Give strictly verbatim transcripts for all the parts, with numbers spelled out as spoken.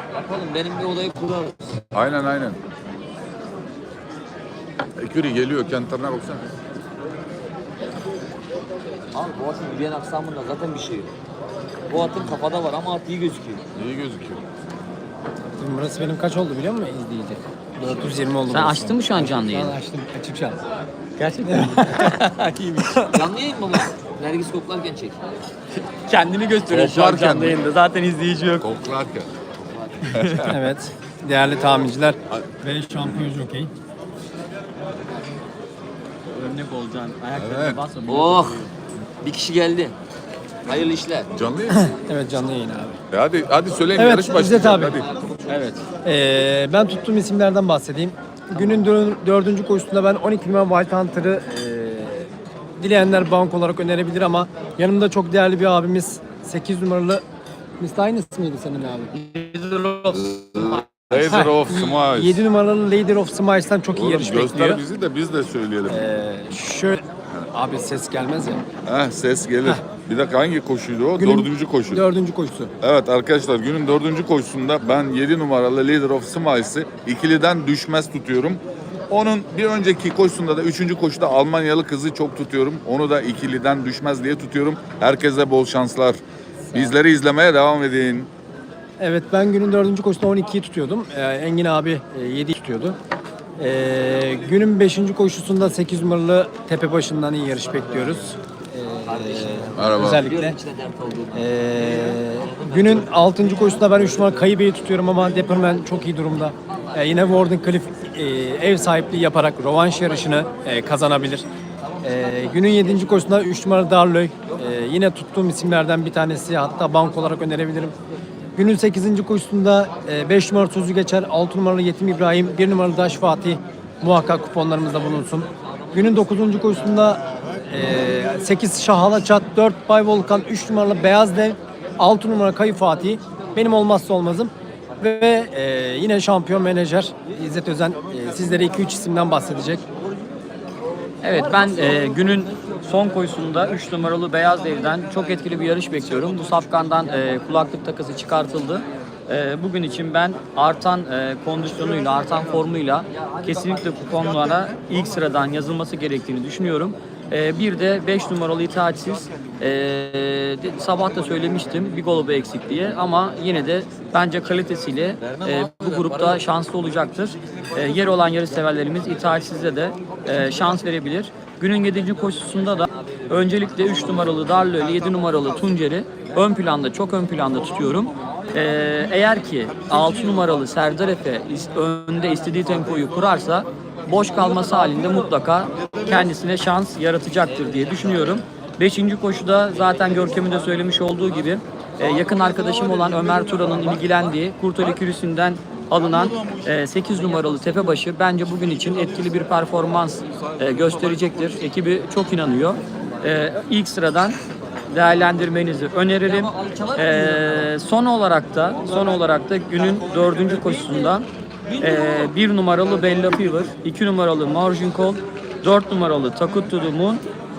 Yapalım, benim bir odayı kurarız. Aynen aynen. Eküri geliyor, kentarına baksana. Abi bu atın yürüyen aksamında zaten bir şey yok. Bu atın kafada var ama at iyi gözüküyor. İyi gözüküyor. Burası benim kaç oldu biliyor musun izleyici? dört yüz yirmi oldu. Sen burası. açtın mı şu an canlı Ben yayını? açtım. Açık şu an. Gerçekten mi? Canlı yayın mı bu? Nergis koklarken çek. Kendini gösteriyor şu an Koklarken canlı mi? yayında. Zaten izleyici yok. Koklarken. Evet. Değerli tahminciler ve şampiyon jokey. Örnek olacaksın. Ayaklarına Evet. basma. Oh! Bir kişi geldi. Hayırlı işler. Canlı yayın. Evet canlı yayın abi. E hadi hadi söyleyin, Evet, yarış İzzet başlayacak. abi. Hadi. Evet. Ee, ben tuttuğum isimlerden bahsedeyim. Günün dör- dördüncü koşusunda ben on iki numara Wild Hunter'ı e, dileyenler bank olarak önerebilir ama yanımda çok değerli bir abimiz sekiz numaralı Mister aynı ismiydi senin abi. Laser of Smiles. yedi numaralı Lady of Smiles'tan çok iyi Oğlum, yarış göster bekliyor. bizi de biz de söyleyelim. Ee, şöyle abi ses gelmez ya. Heh, ses gelir. Bir dakika, hangi koşuydu o? Günün Dördüncü koşu. Dördüncü koşusu. Evet arkadaşlar, günün dördüncü koşusunda ben yedi numaralı Leader of Smiles'ı ikiliden düşmez tutuyorum. Onun bir önceki koşusunda da üçüncü koşuda Almanyalı kızı çok tutuyorum. Onu da ikiliden düşmez diye tutuyorum. Herkese bol şanslar. Bizleri izlemeye devam edin. Evet ben günün dördüncü koşusunda on ikiyi tutuyordum. Ee, Engin abi e, yediyi tutuyordu. Ee, günün beşinci koşusunda sekiz numaralı Tepebaşı'ndan iyi yarış bekliyoruz. Ee, Merhaba. Özellikle. Biliyorum içine dert olduğunu. Ee, günün altıncı koşusunda ben üç numara Kayıbe'yi tutuyorum ama Depperman çok iyi durumda. Ee, yine Warden Cliff e, ev sahipliği yaparak rövanş yarışını e, kazanabilir. Ee, günün yedinci koşusunda üç numara Darlöy. Ee, yine tuttuğum isimlerden bir tanesi, hatta bank olarak önerebilirim. Günün sekizinci koşusunda beş numara Sözü Geçer, altı numaralı Yetim İbrahim, bir numaralı Daş Fatih muhakkak kuponlarımızda bulunsun. Günün dokuzuncu koşusunda e, sekiz Şahala Çat, dört Bay Volkan, üç numaralı Beyaz Dev, altı numara Kayı Fatih benim olmazsa olmazım. Ve e, yine şampiyon menajer İzzet Özen e, sizlere iki üç isimden bahsedecek. Evet ben e, günün son koşusunda üç numaralı Beyaz Dev'den çok etkili bir yarış bekliyorum. Bu safkandan e, kulaklık takısı çıkartıldı. E, bugün için ben artan e, kondisyonuyla, artan formuyla kesinlikle kuponlara ilk sıradan yazılması gerektiğini düşünüyorum. E, bir de beş numaralı İtaatsiz. E, de, sabah da söylemiştim bir golobu eksik diye ama yine de bence kalitesiyle e, bu grupta şanslı olacaktır. E, yer olan yarış severlerimiz İtaatsiz'e de e, şans verebilir. Günün yedinci koşusunda da öncelikle üç numaralı Darlı ile yedi numaralı Tuncer'i ön planda, çok ön planda tutuyorum. Ee, eğer ki altı numaralı Serdar Efe önde istediği tempoyu kurarsa boş kalması halinde mutlaka kendisine şans yaratacaktır diye düşünüyorum. beşinci koşuda zaten Görkem'in de söylemiş olduğu gibi e, yakın arkadaşım olan Ömer Turan'ın ilgilendiği Kurtali Kürüsü'nden alınan e, sekiz numaralı Tepebaşı bence bugün için etkili bir performans e, gösterecektir. Ekibi çok inanıyor. E, ilk sıradan değerlendirmenizi öneririm. E, son olarak da son olarak da günün dördüncü koşusundan e, bir numaralı Bella Fever, iki numaralı Margin Call, dört numaralı Takut to the Moon,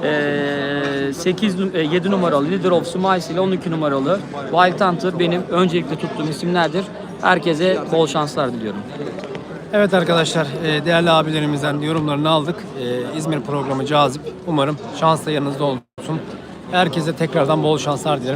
e, sekiz, yedi numaralı Leader of Smiles ile on iki numaralı Wild Hunter benim öncelikle tuttuğum isimlerdir. Herkese bol şanslar diliyorum. Evet arkadaşlar, e, değerli abilerimizden yorumlarını aldık. E, İzmir programı cazip. Umarım şans da yanınızda olsun. Herkese tekrardan bol şanslar dilerim.